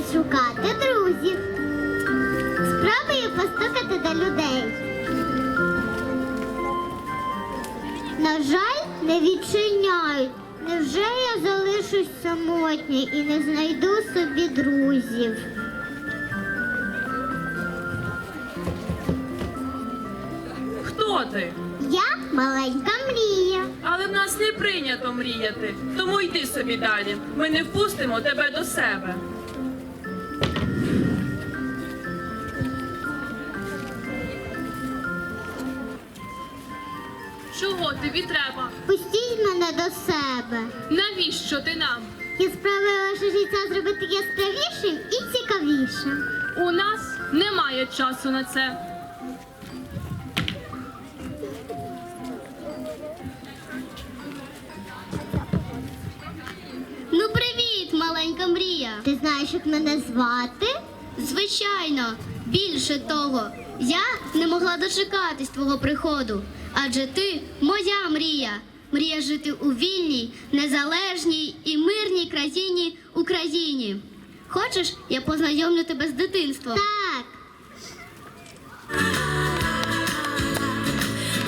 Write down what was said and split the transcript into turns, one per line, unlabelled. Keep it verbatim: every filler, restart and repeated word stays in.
відшукати друзів. Спробую постукати до людей. На жаль, не відчиняють. Невже я залишусь самотній і не знайду собі друзів?
Хто ти?
Я маленька мрія.
Але в нас не прийнято мріяти, тому йди собі далі. Ми не впустимо тебе до себе. Чого тобі треба?
Пустіть мене до себе.
Навіщо ти нам?
Я спробую ваше життя зробити яскравішим і цікавішим.
У нас немає часу на це.
Ну, привіт, маленька мрія.
Ти знаєш, як мене звати?
Звичайно, більше того, я не могла дочекатись твого приходу, адже ти моя мрія. Мрія жити у вільній, незалежній і мирній країні Україні. Хочеш, я познайомлю тебе з дитинством?
Так.